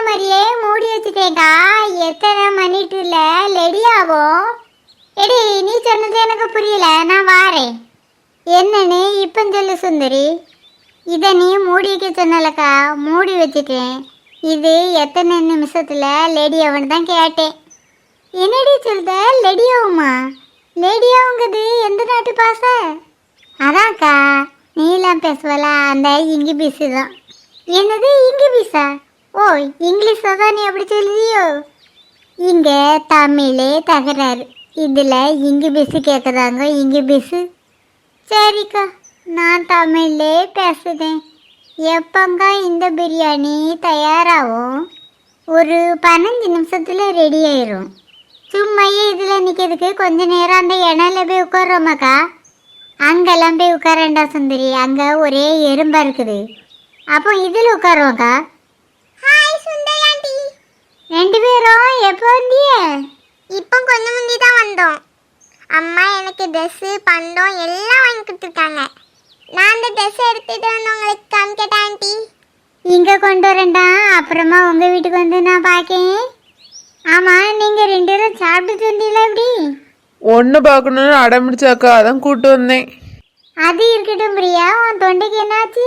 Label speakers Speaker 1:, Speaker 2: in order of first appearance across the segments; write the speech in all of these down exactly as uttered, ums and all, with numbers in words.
Speaker 1: மாதிரியே மூடி வச்சுட்டேக்கா. எத்தனை மணிட்டுல லெடியாவும். எடி நீ சொன்னது எனக்கு புரியல, நான் வாரேன். என்னன்னு இப்போ சொல்லு சுந்தரி. இதை நீ மூடி வைக்க சொன்னலக்கா, மூடி வச்சுட்டேன். இது எத்தனை நிமிஷத்துல லேடியாவுன்னு தான் கேட்டேன். என்னடி சொல்லுத? லேடியாவுமா? லேடியாவுங்கிறது எந்த நாட்டு பாச? அதான்க்கா, நீலாம் பேசுவல அந்த இங்கி பீஸு தான். என்னது இங்கி பீஸா? ஓ, இங்கிலீஷை தான் நீ அப்படி சொல்லுதியோ? இங்கே தமிழே தகராறு, இதில் இங்கி பீஸு கேட்குறாங்க. இங்கி பீஸு சரிக்கா, நான் தமிழ்லே பேசுதேன். எப்பங்க இந்த பிரியாணி தயாராகும்? ஒரு பதினஞ்சு நிமிஷத்தில் ரெடி ஆயிரும். சும்மையே இதில் நிற்கிறதுக்கு கொஞ்ச நேரம் அந்த இணையில போய் உட்காரோமாக்கா. அங்கெல்லாம் போய் உட்காரண்டா சுந்தரி, அங்கே ஒரே எறும்பாக இருக்குது. அப்போ இதில் உட்காருவோக்கா. ஹாய் சுந்தரி ஆண்டி. ரெண்டு பேரும் எப்போ வந்திய? இப்போ கொஞ்சம் முந்தி தான் வந்தோம். அம்மா எனக்கு ட்ரெஸ்ஸு பண்டம் எல்லாம் வாங்கி கொடுத்துருக்காங்க. நான் அந்த ட்ரெஸ்ஸை எடுத்துகிட்டு வந்து உங்களுக்கு காமிக்கட்டேன் ஆண்டி. இங்கே கொண்டு வரேன்டா, அப்புறமா உங்கள் வீட்டுக்கு வந்து நான் பார்க்கேன். ஆமாம், நீங்கள் ரெண்டு பேரும் சாப்பிட்டு வந்தீங்களா? எப்படி
Speaker 2: ஒன்று பார்க்கணுன்னு அடம்பிடிச்சாக்கா, அதான் கூப்பிட்டு வந்தேன்.
Speaker 1: அது இருக்கட்டும் பிரியா, உன் தொண்டைக்கு என்னாச்சு?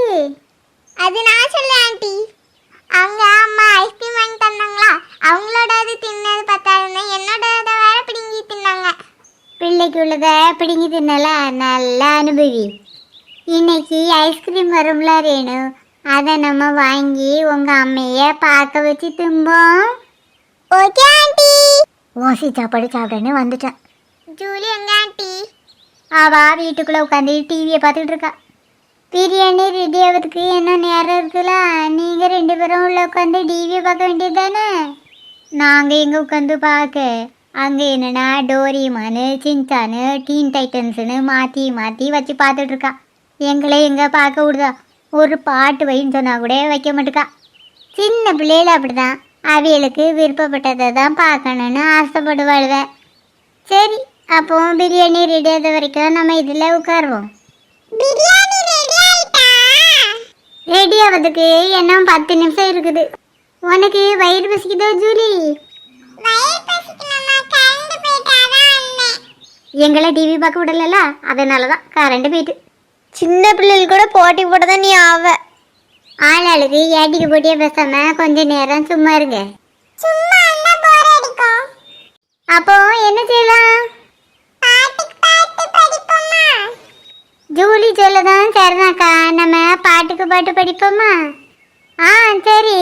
Speaker 1: அது நான் சொல்ல ஆண்டி. அவங்க அம்மா ஐஸ்கிரீம் வாங்கி தந்தாங்களா, அவங்களோட அது தின்னது பத்தாதுன்னு என்னோட அதை வேற பிடுங்கி தின்னாங்க. பிள்ளைக்கு உள்ளத பிடுங்கி தின்னல, நல்லா அனுபவி. இன்னைக்கு ஐஸ்கிரீம் வரும்ல ரேணு, அதை நம்ம வாங்கி உங்கள் அம்மையை பார்க்க வச்சு தும்போம். Okay aunty. ஓசி சாப்பாடு சாப்பிட்டேன்னு வந்துட்டேன். ஜூலி எங்க ஆண்டி? அவா வீட்டுக்குள்ளே உட்காந்து டிவியை பார்த்துக்கிட்டு இருக்கா. பிரியாணி ரெடி ஆகிறதுக்கு என்ன நேரம் இருக்குல்ல, நீங்கள் ரெண்டு பேரும் உள்ள உட்காந்து டிவியை பார்க்க வேண்டியது தானே. நாங்கள் எங்கே உட்காந்து பார்க்க, அங்கே என்னென்னா டோரிமானு சின்சானு டீன் டைட்டன்ஸுன்னு மாற்றி மாற்றி வச்சு பார்த்துட்ருக்கா. எங்களை எங்கே பார்க்க விடுதா? ஒரு பாட்டு வைன்னு சொன்னால் கூட வைக்க மாட்டேக்கா. சின்ன பிள்ளைகள் அப்படி தான், அவியலுக்கு விருப்பப்பட்டதை தான் பார்க்கணுன்னு ஆசைப்படுவாழ்வேன். சரி, அப்போ பிரியாணி ரெடி ஆகிற வரைக்கும் நம்ம இதில் உட்காருவோம். பிரியாணி ரெடி ஆயிட்டா? ரெடி ஆகிறதுக்கு என்ன பத்து நிமிஷம் இருக்குது. உனக்கு வயிறு பசிக்குதோ ஜூலி? எங்களை டிவி பார்க்க விடல, அதனால தான் கரண்ட் போயிட்டு. சின்ன பிள்ளைகள் கூட போட்டி போட தான் நீ ஆவ. ஆளாளுக்கு ஏட்டிக்கு போட்டியே பேசாம கொஞ்ச நேரம் சும்மா இருங்க. அப்போ என்ன செய்யலாம்? ஜூலி சொல்லதான் சரிதாக்கா, நம்ம பாட்டுக்கு பாட்டு படிப்போமா? ஆ சரி,